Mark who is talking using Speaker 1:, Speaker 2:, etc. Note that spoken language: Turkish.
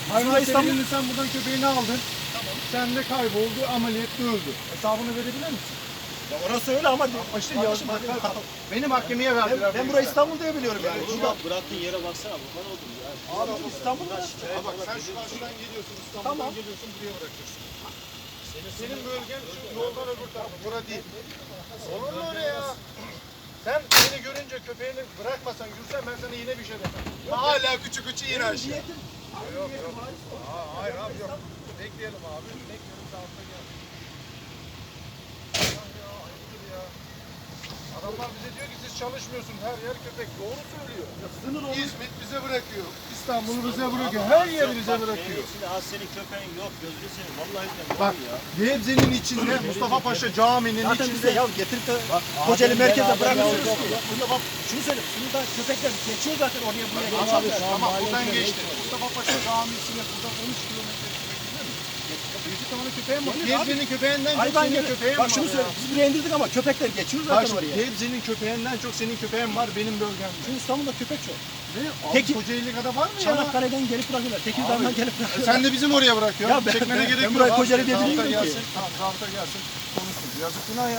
Speaker 1: Hayvan severinin sen buradan köpeğini aldın. Tamam. Sen de kayboldu, ameliyatta öldü. Hesabını verebilir misin?
Speaker 2: Ya orası öyle ama işte
Speaker 1: Kardeşim, beni mahkemeye verdiler.
Speaker 2: ben burayı İstanbul diye biliyorum yani.
Speaker 3: Oğlum abi bıraktığın yere baksana kurban oldum ya.
Speaker 2: Abi İstanbul'da
Speaker 1: Bak sen şu karşıdan geliyorsun, İstanbul'dan geliyorsun, buraya bırakıyorsun. Senin bölgen şu yoldan öbür tarafı, bura değil. Olur mu öyle ya? Sen beni görünce köpeğini bırakmasan, yürüsen ben sana yine bir şey demem. Hala küçük yine aşağı. Yok. Hayır abi yok. Bekleyelim abi. Bekleyelim saatte gel. Ya ayıptır ya. Adamlar bize diyor ki siz çalışmıyorsunuz. Her yer köpek. Doğru söylüyor. İzmit bize bırakıyor. İstanbul bize bırakıyor. Her yer bize bırakıyor.
Speaker 3: Şimdi az senin köpeğin yok gözünü seveyim. Vallahi billahi
Speaker 1: Bak
Speaker 3: ya.
Speaker 1: Gebze'nin içinde Mustafa Paşa Caminin
Speaker 2: zaten bize
Speaker 1: içinde.
Speaker 2: ya getirip de Kocaeli merkezde bırakıyorsunuz ki.
Speaker 3: Ya.
Speaker 2: Burada bak şunu söyle. Şunu da köpekler geçiyor zaten oraya buraya
Speaker 1: Tamam,
Speaker 2: geçiyor.
Speaker 1: tamam buradan geçti. Mustafa Paşa Camisi'ne buradan 13 kilometre bir tane köpeğim var. Gebze'nin köpeğinden çok
Speaker 2: Hayvan
Speaker 1: senin
Speaker 2: gibi.
Speaker 1: köpeğin
Speaker 2: Bak
Speaker 1: var
Speaker 2: şunu
Speaker 1: ya.
Speaker 2: söyle. Biz buraya indirdik ama köpekler geçiyor
Speaker 1: Bak
Speaker 2: zaten
Speaker 1: şimdi
Speaker 2: oraya.
Speaker 1: Gebze'nin köpeğinden çok senin köpeğin var benim bölgemde.
Speaker 2: Şimdi İstanbul'da köpek çok.
Speaker 1: Ne?
Speaker 2: Peki-
Speaker 1: Kocaeli kadar var mı ya?
Speaker 2: Çanakkale'den gelip bırakıyorlar. Tekirdağ'dan gelip bırakıyorlar.
Speaker 1: Sen de bizim oraya bırakıyorsun.
Speaker 2: Ya ben-
Speaker 1: Çekmene
Speaker 2: ben
Speaker 1: gerek yok.
Speaker 2: buraya
Speaker 1: abi.
Speaker 2: Kocaeli diye
Speaker 1: Zabıta
Speaker 2: bilmiyorum ki.
Speaker 1: gelsin. Tamam zabıta gelsin. Konuşsun. Yazık günah ya.